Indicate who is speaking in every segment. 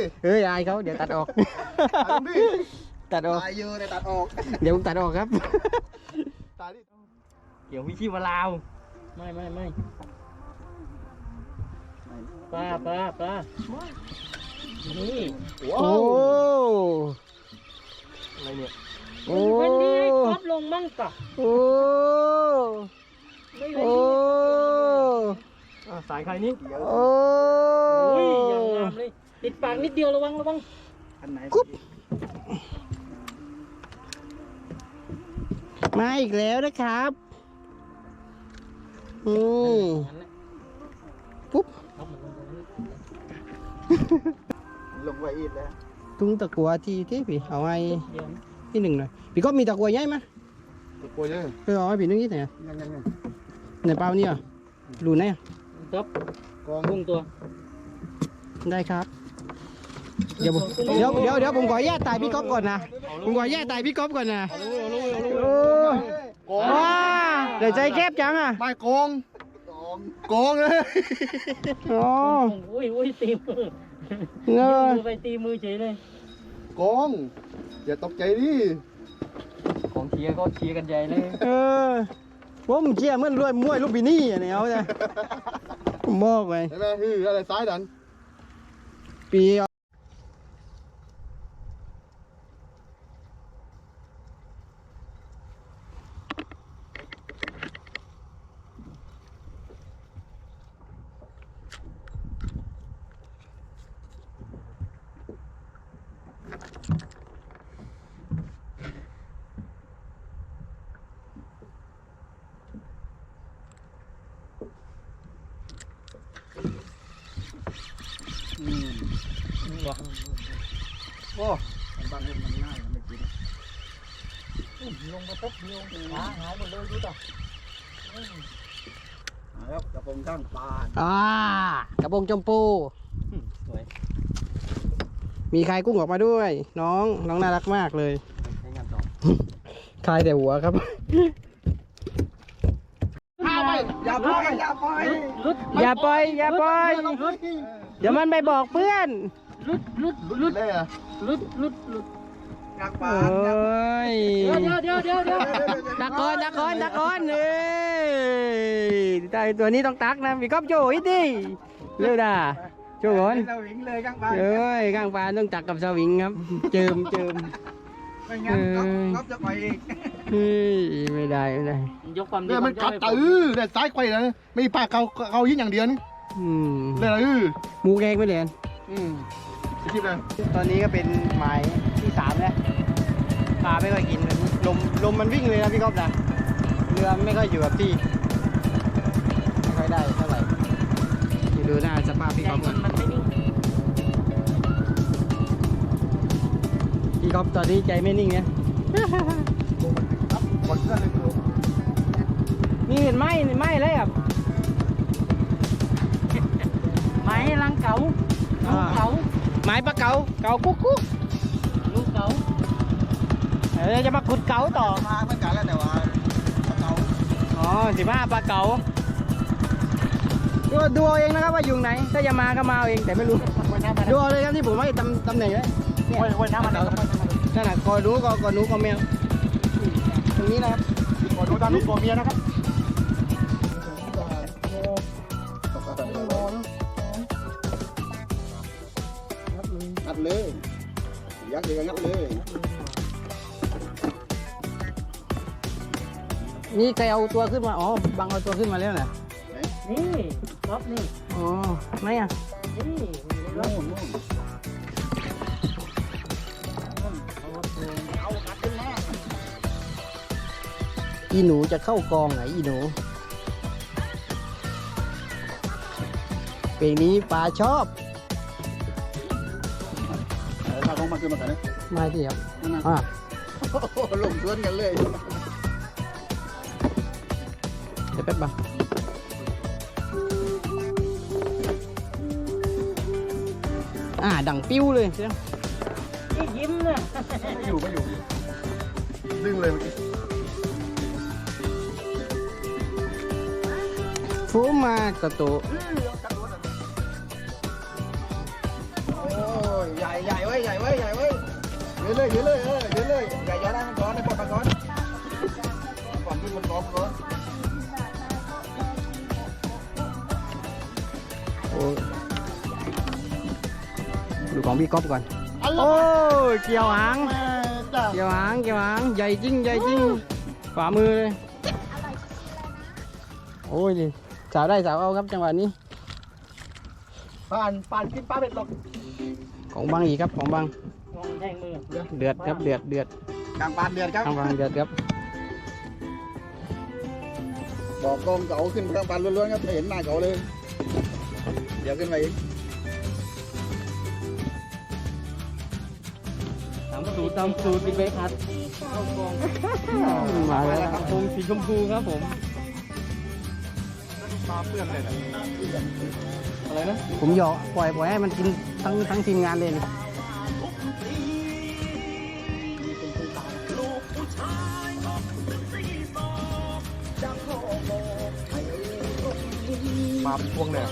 Speaker 1: เฮ้ยอายเขาเดี๋ยวตัดออกตัดออก
Speaker 2: ตายเยอะเลยตัดออก
Speaker 1: เดี๋ยวผมตัดออกครับ
Speaker 2: ตายดิ
Speaker 1: เดี๋ยวพี่ชีมาลาวไม่ปลานี่โอ้อะไรเนี่ยโอ้วันนี้ครบลงมั่งกะโอ้สายใครนี่โอ้ยอย่างงามเลยติดปากนิดเดียวระวังอันไหนกุ๊บมาอีกแล้วนะครับปุ๊บ
Speaker 2: ลงไว้อีกแล้ว
Speaker 1: ตุ้งตะกัวที่พี่เอาไว้ที่หนึ่งหน่อยพี่ก็มีตะกัวใหญ่ไหม
Speaker 2: ตะกัวเยอะ
Speaker 1: เอาไว้พี่นึงที่ไหนในเปล่านี่อ่ะรูไหนอ่ะครับกองพุ่งตัวได้ครับเดี๋ยวผมขอแยกตายพี่ก๊อฟก่อนนะผมขอแยกตายพี่ก๊อฟก่อนนะว้าเดี๋ยวใจแคบจังอ่ะ
Speaker 2: ไม่กองเลย
Speaker 1: โอ้ยตีมือเงยไปตีมือเฉยเลย
Speaker 2: กองอย่าตกใจดิ
Speaker 1: ของเชียร์ก็เชียร์กันใหญ่เลยผมเชียร์เหมือนรวยมวยลูกบินี่อ่ะเนี่ยเอาใจผมบอกไป
Speaker 2: ใช่ไหมอะไรซ้ายดัน
Speaker 1: ปี
Speaker 2: โอ้บ้านมันง่ายไม่กิน
Speaker 1: ลงมาปุ๊บลงหายหมดเลยดูต่อ
Speaker 2: ครับกระพงข้างปล
Speaker 1: ากระพงจมพูสวยมีคายกุ้งออกมาด้วยน้องน่ารักมากเลยคายแต่หัวครับ
Speaker 2: อย่าปล่อย
Speaker 1: อย่าปล่อยเดี๋ยวมันไปบอกเพื่อน
Speaker 2: ลุดเลยอ่ะ
Speaker 1: ลุด
Speaker 2: กลางป่า
Speaker 1: เดี๋ยวตะกอนแต่ตัวนี้ต้องตักนะพี่ก๊อฟโจ้อีดิเร็วด่าโจ้ก่อน
Speaker 2: สวิงเลยกลางป่า
Speaker 1: กลางป่าต้องตักกับสวิงครับเจิม
Speaker 2: ไม่งั้นก๊อฟจะไปอีก
Speaker 1: ไม่ได้
Speaker 2: ยกความดีมันกัดแต่ซ้ายไขว้เลยไม่ปากเขายิ่งอย่างเดียวนี่เลย
Speaker 1: หมูแกงไม่เรียน
Speaker 2: คิดเลย
Speaker 1: ตอนนี้ก็เป็นหมายที่3แล้วปลาไม่ค่อยกินลมมันวิ่งเลยนะพี่ก๊อฟนะเรือไม่ค่อยอยู่กับที่ไม่ค่อยได้เท่าไหร่ดูหน้าสภาพพี่ก๊อฟก่อนพี่ก๊อฟตอนนี้ใจไม่นิ่งเนี่ยนี่เห็นไหมเลยอ่ะไม้ลังเก๋าลูกเก๋าไม้ปลาเก๋ากุ๊กลูกเก๋าจะมาขุดเก๋าต่อ
Speaker 2: มาเหมือนกันแล้วแต่ว่าปลาเก๋า
Speaker 1: 15ปลาเก๋าดูเอาเองนะครับว่าอยู่ไหนถ้าจะมาก็มาเองแต่ไม่รู้ดูเอาเลยครับที่ผมให้ตำแหน่งไว้น้ำมันนั่นแหละก่อนรู้ก็แมวตรงนี้นะครับ
Speaker 2: ก่อนรู้ตามลูกตัวเมียนะครับงัดเลยยักษ์เลยงัดเลย
Speaker 1: นี่ใครเอาตัวขึ้นมาบังเอาตัวขึ้นมาแล้วเหรอ
Speaker 3: นี่ก๊อฟนี่
Speaker 1: ไม่อ่ะ
Speaker 3: นี่
Speaker 2: นู่น
Speaker 1: อีหนูจะเข้ากองไหนอีหนูเพลงนี้ปลาชอบ
Speaker 2: ถ้าของมาคือมากันนะ
Speaker 1: มาที่ครับ
Speaker 2: ลงสวนกันเลย
Speaker 1: เดี๋ยวแป๊บบ้างดังปิ้วเลยใช่ไหม
Speaker 3: ยิ้มเลย
Speaker 2: ไม่อยู่ดึงเลยเมื่อกี้
Speaker 1: ฟูมากระโต
Speaker 2: โอ้ยยืนเลยยืนเลยยืนเลยอย่าย้อนนะมันก้อนให้ปลดมันก้อนก่อนขึ้นมันก้อนก้อน
Speaker 1: โอ้ดูของพี่ก๊อฟก่อน โอ้ยเกี่ยวหาง เกี่ยวหางเกี่ยวหางใหญ่จริงใหญ่จริงฝ่ามือเลยโอ้ยนี่สาวได้สาวเอาครับจังหวะนี้
Speaker 2: ป่านกินปลาเบ็ดหรอก
Speaker 1: ของบางอีกครับของบาง
Speaker 3: มองแทงมือ
Speaker 1: เดือดครับเดือดเดือด
Speaker 2: กลางปานเดือนครับ
Speaker 1: ทางบางเดือดครับ
Speaker 2: บอกกองเก่าขึ้นกลางปานล้วนๆครับไม่เห็นหน้าเก่าเลย เดี๋ยวขึ้นไปอีก
Speaker 3: ตามสูตรปิดใบพัด
Speaker 1: มาแล้วครับ
Speaker 3: ธงสีชมพูครับผม
Speaker 2: ปลาเปื้อนเลยนะ
Speaker 3: อะไรนะ
Speaker 1: ผมหยอกปล่อยให้มันกินทั้งทีมงานเลยนี่
Speaker 2: ปลาพวงเนี่ย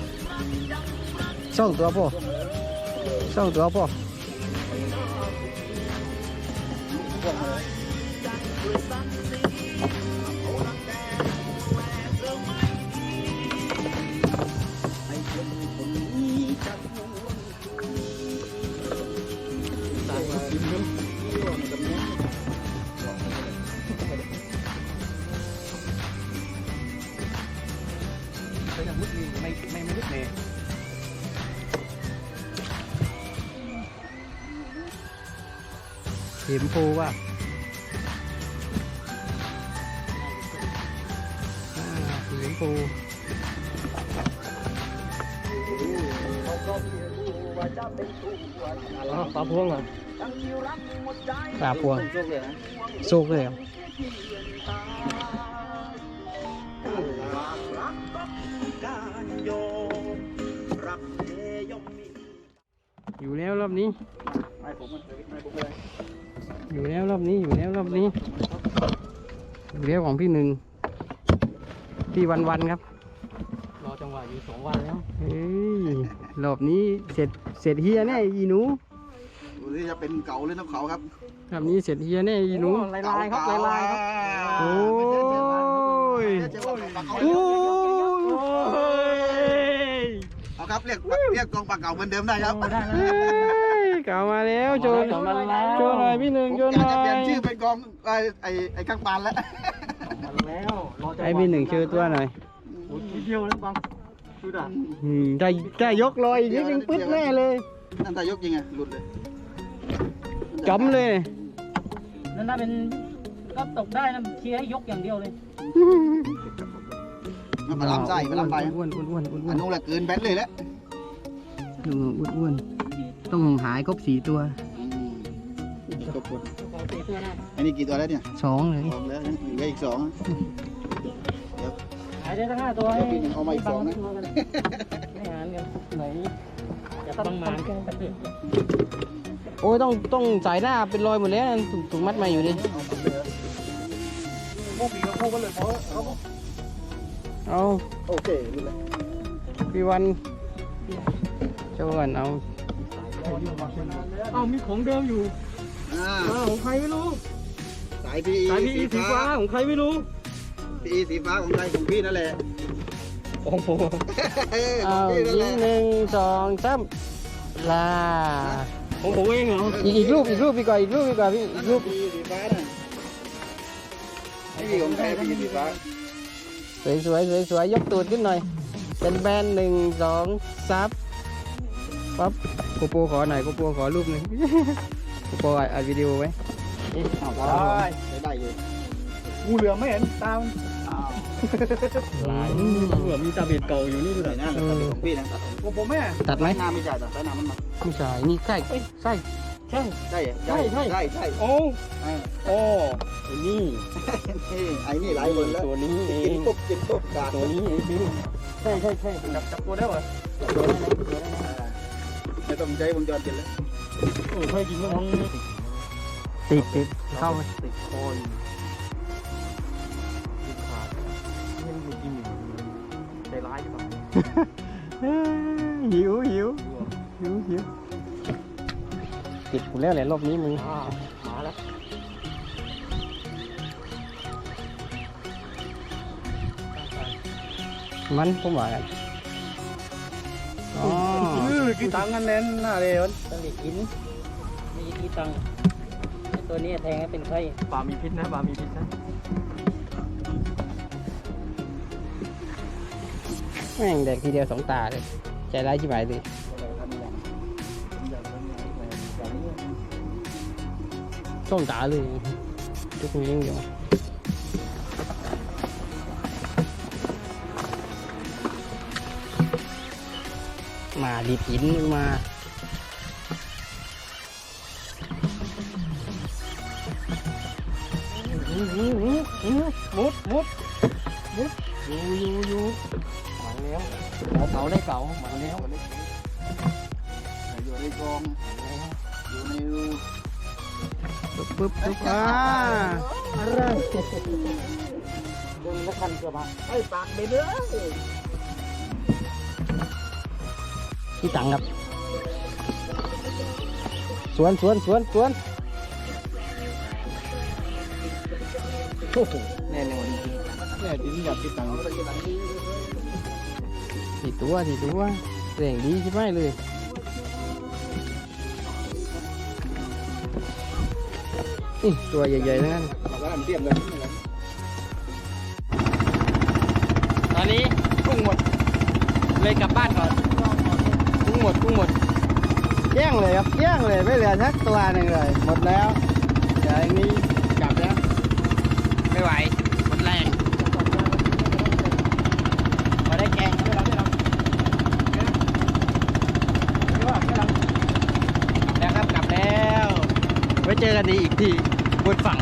Speaker 1: ส่งตัวพ่อส่งตัวพ่อ
Speaker 2: ก็ยังมุดไม่มุดเลย
Speaker 1: เข็มปูว่ะเข็มปู
Speaker 3: ปลาพวงเหรอ
Speaker 1: ปลาพวง
Speaker 3: โชคเลยนะ
Speaker 1: โซกเลยเหรออยู่แล้วรอบนี้
Speaker 2: ไม่ผมมันไม่ผมเลย
Speaker 1: อยู่แล้วรอบนี้อยู่แล้วรอบนี้อยู่แล้วของพี่หนึ่งพี่วันครับ
Speaker 3: รอจังหวะอยู่2 วันแล้ว
Speaker 1: เฮ้ยรอบนี้เสร็จเฮียแน่อีหนู
Speaker 2: ดูที่จะเป็นเก่าหรือน้ำเขาครับ
Speaker 1: รอบนี้เสร็จเฮียแน่อีหนู
Speaker 3: ลายครับลายครับ
Speaker 1: โอ้ย
Speaker 2: โอ้
Speaker 1: โอ้ย
Speaker 2: เอาครับเรียกกองปลาเก่าเหมือนเดิมได้ครับ
Speaker 3: ได้นะ
Speaker 1: เฮ้ยเก่ามาแล้วโจน
Speaker 3: เก่ามาแล้ว
Speaker 1: โจนหน่อยพี่หนึ่ง
Speaker 2: ผม
Speaker 1: โจน
Speaker 2: อยา
Speaker 1: ห
Speaker 2: ก
Speaker 1: น่อ
Speaker 2: จะเปลี่ยน
Speaker 1: ย
Speaker 2: ชื่อเป็นกองไอ้ข้างปานแล้ว
Speaker 3: มาแล้วรอจังหวะ
Speaker 1: ให้พี่หนึ่งเชื่อตัวหน่อย
Speaker 3: โอ้ยทีเดียวแล้วบังดูด่ะ
Speaker 1: ได้ยกลอยอีกนิดนึงปึ๊ดแน่เลย
Speaker 2: นั่นตายกจริงไงหลุดเลย
Speaker 1: จำเลย
Speaker 3: นั่นน่าเป็นก็ตกได้นะเชียร์ให้ยกอย่างเดียวเลย
Speaker 2: มันมาล้ำไส้มาล้ำไป
Speaker 1: อ้วนอ้วนอ้วนอ้ว
Speaker 2: อั
Speaker 1: น
Speaker 2: นนู้นแหละเกินแบตเลยแล้ว
Speaker 1: อ้วนอ้วนต้องหายครบ4 ตัว
Speaker 2: ครบคน
Speaker 3: ขอตีตัวได้
Speaker 2: อันนี้กี่ตัวแล้วเนี่ย
Speaker 1: 2เลย
Speaker 2: สองแล้วเหลืออีก2
Speaker 3: หายได้ทั้ง5 ตัวให้
Speaker 2: พี่หนึ่งเอามาอีก2นะ
Speaker 3: ไม่หารกันไหนจะต้องมากัน
Speaker 1: โอ้ยต้องสายหน้าเป็นรอยหมดแล้วถูกมัดมาอยู่ดิ
Speaker 2: พวกพี่ก็พวกกันเลยเพราะเขา
Speaker 1: เอา
Speaker 2: โอเครู้แล้ว
Speaker 1: พี่วันเจ้าวันเอา
Speaker 3: เอ้ามีของเดิมอยู่ของใครไม่รู้
Speaker 2: สายพี
Speaker 3: สายพีสีฟ้าของใครไม่รู้
Speaker 2: พีสีฟ้าของใครของพี่นั่นแหละ
Speaker 3: ของผม
Speaker 1: เอา
Speaker 2: พี่นั่นแห
Speaker 1: ยิ
Speaker 2: ละ
Speaker 1: ง1 2 3ลา
Speaker 3: ของผมเองเหรอ
Speaker 1: อีกรูปดีกว่าอีกรูปดีกว่าพี่อีกรูป
Speaker 2: พีสีฟ้าน่ะไม่มีของใครพีสีฟ้า
Speaker 1: สวยยกตูดขึ้นหน่อย เป็นแบน1 2 ซับปั๊บโกโปรขอหน่อยโกโปรขอรูปหนึ่ง โกโปรอัดวิดีโอไว้
Speaker 2: ได้อยู่งูเหลือมไม่เห็นตาม
Speaker 3: หลายเหมือนมีตาเบ็ดเก่าอยู่นี่ดู
Speaker 2: ใส่
Speaker 3: ดิ
Speaker 2: หน้าของพี่นะของผมแม่
Speaker 1: ตัดไหม
Speaker 2: หน้าไม่จ่ายแต่ใส่หน้ามันมา
Speaker 1: ไม่ใช่นี่ไส้
Speaker 3: ใช่
Speaker 2: ใช่
Speaker 3: โอ้โอ้ไอ้นี่
Speaker 2: ไอ้นี่หลายคนแล้ว
Speaker 3: ตัวนี้เอ
Speaker 2: กิน
Speaker 3: ง
Speaker 2: ปุ๊บกาด
Speaker 3: ตัวนี้เองใช่จับตัวได้เหรอ
Speaker 2: ไม่ต้องใช้วงจรปิดแล้ว
Speaker 3: โอ้เคยกินมั้ง
Speaker 1: ติดเข้าไป
Speaker 3: ติดคอยติดขาดนี่มันกินใจร้ายใช่ปะ
Speaker 1: หิวติดกูแล้วแหละรอบนี้มึง
Speaker 3: มาแล้ว
Speaker 1: มันผมว่ากันอ๋อ
Speaker 2: กี่ตังค์กันเน้นน่าเลย
Speaker 4: ต้องได้กินไม่ใช่กี่ตังค์ไอ้ตัวนี้แทงให้เป็นไข้
Speaker 3: ปลามีพิษนะปลามีพิษนะ
Speaker 1: แม่งแดกทีเดียวสองตาเลยใจร้ายชิบหายเลยสองตาเลยทุกคนยังอยู่มาดีดหินมามุดอยู่มาแล้วเก่าได้เก่ามาแล้ว
Speaker 2: อยู่ในกองอยู่ในรู
Speaker 1: ปึ๊บอะไร
Speaker 4: ดึงแล้วคันเกือบมา
Speaker 2: ไอ้ปากไปเลย
Speaker 1: ที่ตังครับสวนโอ้โหแน่นอนจริง
Speaker 2: แน่ดินอยากกี่ตังค์
Speaker 1: สี่ตัวแรงดีใช่ไหมเลยตัวใหญ่ๆทั้งนั้น
Speaker 2: เราก็ทำเตรียมเลย
Speaker 1: ตอนนี้กุ้งหมดเลยกลับบ้านก่อนกุ้งหมดแย่งเลยครับแย่งเลยไม่เหลือสักตัวหนึ่งเลยหมดแล้วเดี๋ยวอย่างนี้กลับแล้วไม่ไหวหมดแรงมาได้แกงด้วยเราแล้วครับกลับแล้วไว้เจอกันดีอีกทีบนฝั่ง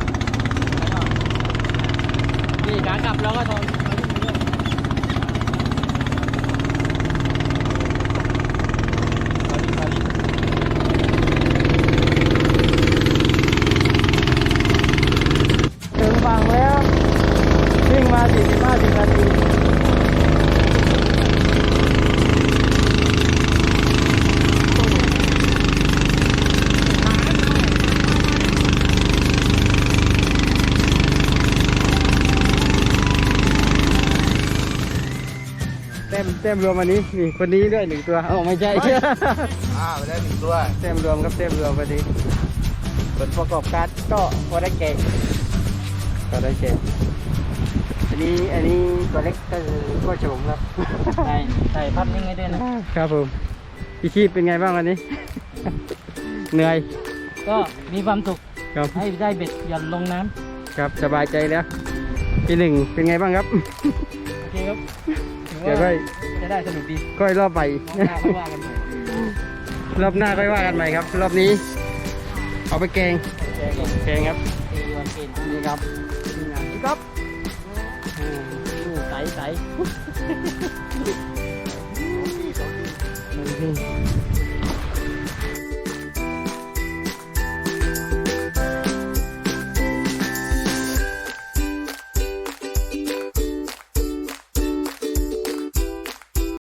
Speaker 1: นี่ขากลับเราก็ทนถึงฝั่งแล้ววิ่งมา45 นาทีเต็มรวมวันนี้นี่คนนี้ด้วย1 ตัวไม่ใช่
Speaker 2: ไปได้1 ตัว
Speaker 1: เต็มรวมครับเต็มรวมพอดีผลประกอบการก็พอได้เก่งอันนี้ตัวเล็กก็คือก็โฉมครับ
Speaker 4: ใส่พัดนิ่งให้ด้วยนะครับ
Speaker 1: ผมพี่ชีพเป็นไงบ้างวันนี้ เหนื่อย
Speaker 4: ก็มีความสุข
Speaker 1: ครับ
Speaker 4: ให้ได้เบ็ดหย่อนลงน้
Speaker 1: ครับสบายใจแล้วพี่หนึ่งเป็นไงบ้างครับ
Speaker 4: ำโอเคครับถือ
Speaker 1: เดี๋ยว
Speaker 4: ว่า
Speaker 1: ค่อย
Speaker 4: จะได้สนุกดี
Speaker 1: ค่อยรอบไป
Speaker 4: มองหน้าเขาว่ากันใหม่
Speaker 1: รอบหน้าค่อยว่ากันใหม่ครับ รอบนี้ เอาไปแกง
Speaker 4: แกง
Speaker 1: แกงครับ
Speaker 4: ตีวันกิน
Speaker 1: นี่ครับนี่ครับใส